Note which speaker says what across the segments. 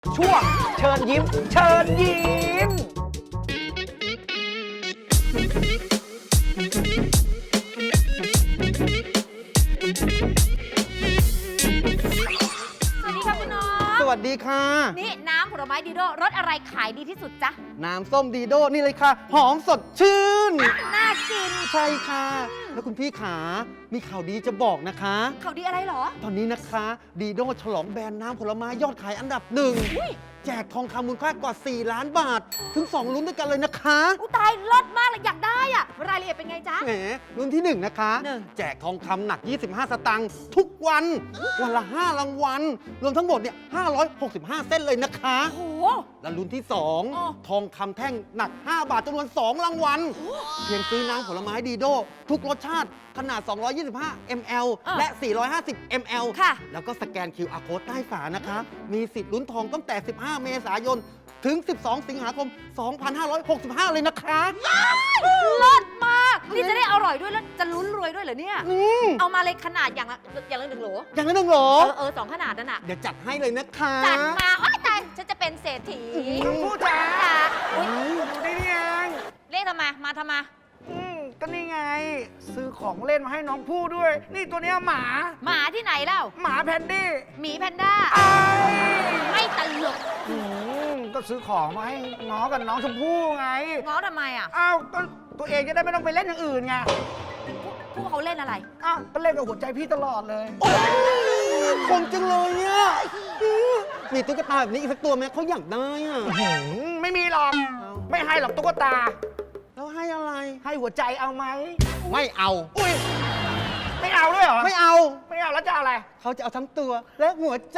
Speaker 1: ช่วงเชิญยิ้ม เชิญยิ้ม
Speaker 2: สวัสดีค่ะคุณน้อง
Speaker 1: สวัสดีค่ะ
Speaker 2: นี่น้ำผลไม้ดีโดรสอะไรขายดีที่สุดจ๊ะ
Speaker 1: น้ำส้มดีโดนี่เลยค่ะ หอมสดชื่น
Speaker 2: น่ากิน
Speaker 1: ใช่ค่ะ แล้วคุณพี่ขามีข่าวดีจะบอกนะคะ
Speaker 2: เขาดีอะไรเหรอ
Speaker 1: ตอนนี้นะคะดีโดฉลองแบรนด์น้ำผลไม้ยอดขายอันดับหนึ่ง
Speaker 2: อุ้ย
Speaker 1: แจกทองคำมูลค่ากว่า 4 ล้านบาท ถึง 2 ลุ้นด้วยกันเลยนะคะ
Speaker 2: อุยตายรสมากเลยอยากได้อะรายละเอียดเป็นไงจ๊ะ
Speaker 1: แหมรุ่นที่ 1 นะคะ
Speaker 2: หนึ่ง
Speaker 1: แจกทองคำหนัก 25 สตางค์ทุกวัน วันละ 5 รางวัล รวมทั้งหมดเนี่ย565 เส้นเลยนะคะ
Speaker 2: โอ้โห
Speaker 1: และรุ่นที่
Speaker 2: อ๋อ
Speaker 1: 2 ทองคำแท่งหนัก 5 บาทจำนวน 2 รางวัล เพียงซื้อน้ำผลไม้ดีโด ทุกรสชาติขนาด 225 ml และ 450 ml
Speaker 2: ค่ะ
Speaker 1: แล้วก็สแกน QR code ใต้ฝานะคะ มีสิทธิ์ลุ้นทองตั้งแต่ 15 เมษายน ถึง 12 สิงหาคม 2565 เลยนะคะ
Speaker 2: รสมาก นี่จะได้อร่อยด้วยแล้วจะลุ้นรวยด้วยเหรอเนี่ย
Speaker 1: อืม
Speaker 2: เอามาเลยขนาดอย่างละหนึ่งโหล
Speaker 1: อย่างนั้นเหรอ
Speaker 2: สองขนาดนั่นน่ะ
Speaker 1: เดี๋ยวจัดให้เลยนะคะ
Speaker 2: จัดมาโอ้ยตายฉันจะเป็นเศรษฐี
Speaker 3: ผู้จ๋า
Speaker 2: จ้าอุ๊ย
Speaker 3: อยู่ได้นี่เอง
Speaker 2: เรียกทำไม มาทำไม
Speaker 3: ก็นี่ไง ซื้อของเล่นมาให้น้องผู้ด้วย นี่ตัวเนี้ยหมา
Speaker 2: หมาที่ไหนเล่า
Speaker 3: หมาแพนดี้
Speaker 2: หมีแพนด้า
Speaker 3: ไอ้
Speaker 2: ไม่ตลก
Speaker 3: ก็ซื้อของมาให้ง้อกับน้องชมพู่ไง
Speaker 2: ง้อทำไมอ่ะ
Speaker 3: อ้าวก็ตัวเองจะได้ไม่ต้องไปเล่นอย่างอื่นไง
Speaker 2: พวกเขาเล่นอะไร
Speaker 3: อ้าวก็เล่นกับหัวใจพี่ตลอดเลย
Speaker 1: คงจังเลยเนี่ยมีตุ๊กตาแบบนี้อีกสักตัวไหมเขาอยากได้อ่ะ
Speaker 3: ไม่มีหรอก ไม่ให้หรอกตุ๊กตา
Speaker 1: แล้วให้อะไร
Speaker 3: ให้หัวใจเอาไหม
Speaker 1: ไม่เอา
Speaker 3: อุ้ย ไม่เอาด้วยเหรอ
Speaker 1: ไม่เอา
Speaker 3: ไม่เอาแล้วจะเอาอะไร
Speaker 1: เขาจะเอาทั้งตัวและหัวใจ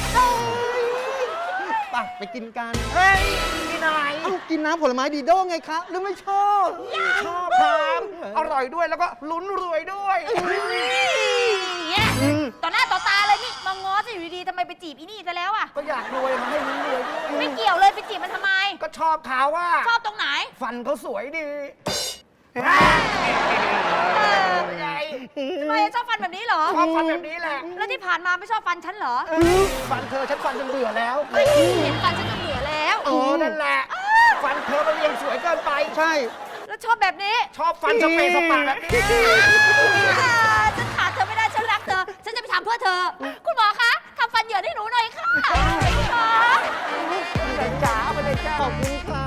Speaker 1: ไปกินกัน
Speaker 3: เฮ้ยกินอะไร
Speaker 1: เอ้ากินน้ำผลไม้ดีโด้ไงคะหรือไม่ชอบ
Speaker 3: ชอบครับอร่อยด้วยแล้วก็ลุ้นรวยด้วย
Speaker 2: เนี่ยต่อหน้าต่อตาเลยนี่มาง้อจะอยู่ดีๆทำไมไปจีบอีนี่ซะแล้วอ่ะ
Speaker 3: ก็อยากรวยมันให้ลุ้นรวยด้วย
Speaker 2: ไม่เกี่ยวเลยไปจีบมันทำไม
Speaker 3: ก็ชอบเขาว่า
Speaker 2: ชอบตรงไหน
Speaker 3: ฟันเขาสวยดี ไง
Speaker 2: ทำไมชอบฟันแบบนี้เหรอ
Speaker 3: ชอบฟันแบบนี้แหละ
Speaker 2: แล้วที่ผ่านมาไม่ชอบฟันฉันเหรอ
Speaker 3: ฟันเธอฉันฟันจนเบื่อแล้ว
Speaker 2: เห็นฟันฉันจนเบื่อแล้ว
Speaker 3: โอ้นั่นแหละ ฟันเธอมันเรียงสวยเกินไป
Speaker 1: ใช่
Speaker 2: แล้วชอบแบบนี้
Speaker 3: ชอบฟันสเปรย์สปาแบบนี้
Speaker 2: ฉันขาดเธอไม่ได้ฉันรักเธอ ฉันจะไปทำเพื่อเธอ คุณหมอคะทำฟันเหยินให้หนูหน่อยค่ะคุณหมอ
Speaker 3: ไปเลยจ้าไปเลยจ้า
Speaker 1: ขอบคุณ